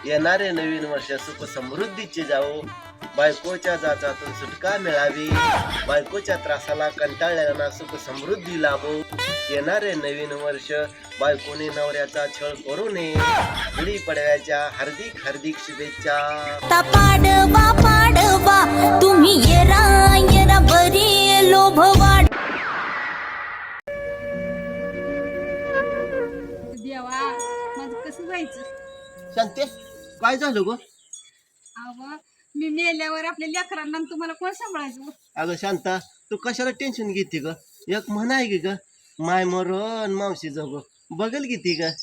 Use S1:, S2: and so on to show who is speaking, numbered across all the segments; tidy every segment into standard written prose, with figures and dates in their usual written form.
S1: येणारे नवीन वर्ष सुख समृद्धीचे जावो, बायकोच्या जाचातून सुटका मिळावी, बायकोच्या त्रासाला कंटाळलेल्यांना सुख समृद्धी लाभो. येणारे नवीन वर्ष बायकोने नवऱ्याचा छळ करू नये. गुढी पडव्याच्या हार्दिक हार्दिक शुभेच्छा.
S2: पाडवा पाडवा तुम्ही येरा येरा बरी लोभवाड.
S3: देवा माझं कसं जायचं?
S1: शांते, काय झालं ग?
S3: अहो मी मेल्यावर आपल्या लेकरांना आणि तुम्हाला कोण सांभाळायचं?
S1: अगं शांता, तू कशाला टेन्शन घेते ग? एक म्हण आहे की ग, माय मरण मावशी जग बघल किती ग.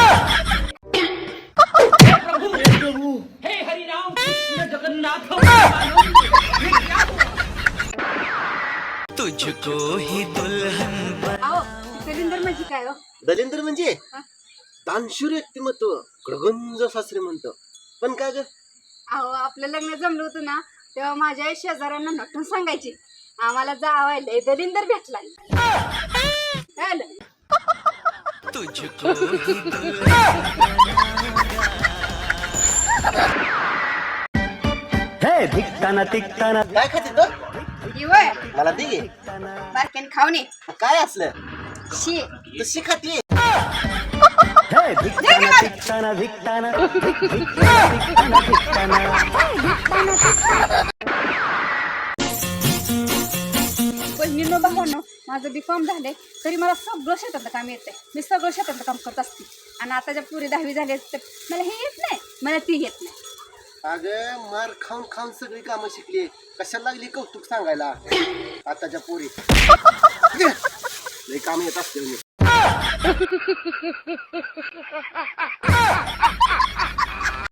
S4: तुझको ही दुल्हन
S3: अहो दलिंदर म्हणजे काय हो?
S1: दलिंदर म्हणजे दानशूर व्यक्तिमत्व, गडगंज सासरे म्हणतो. पण काय ग?
S3: अहो आपलं लग्न जमलं होतं ना तेव्हा माझ्या शेजाऱ्यांना नटून सांगायची आम्हाला जावायला दलिंदर भेटला.
S4: तुझको ही
S5: हे धिकताना तिकताना
S1: काय खाते तो? मला दे गे.
S3: बारक्याने खाऊन ये.
S1: काय असलं?
S3: शी
S1: तशी खाते.
S5: हे धिकताना तिकताना धिकताना धिकताना
S3: बहिणींनो भावांनो, माझं B.Com झालंय तरी मला सगळं शेतातलं काम येतंय. मी सगळं शेतातलं काम करत असते. आणि आता ज्या पुरी 10वी झाली तर मला हे येत नाही, मला ती येत नाही.
S1: अगं मार खाऊन खाऊन सगळी कामं शिकली, कशाला लागली कौतुक सांगायला? आताच्या पोरी लई काम येत असते.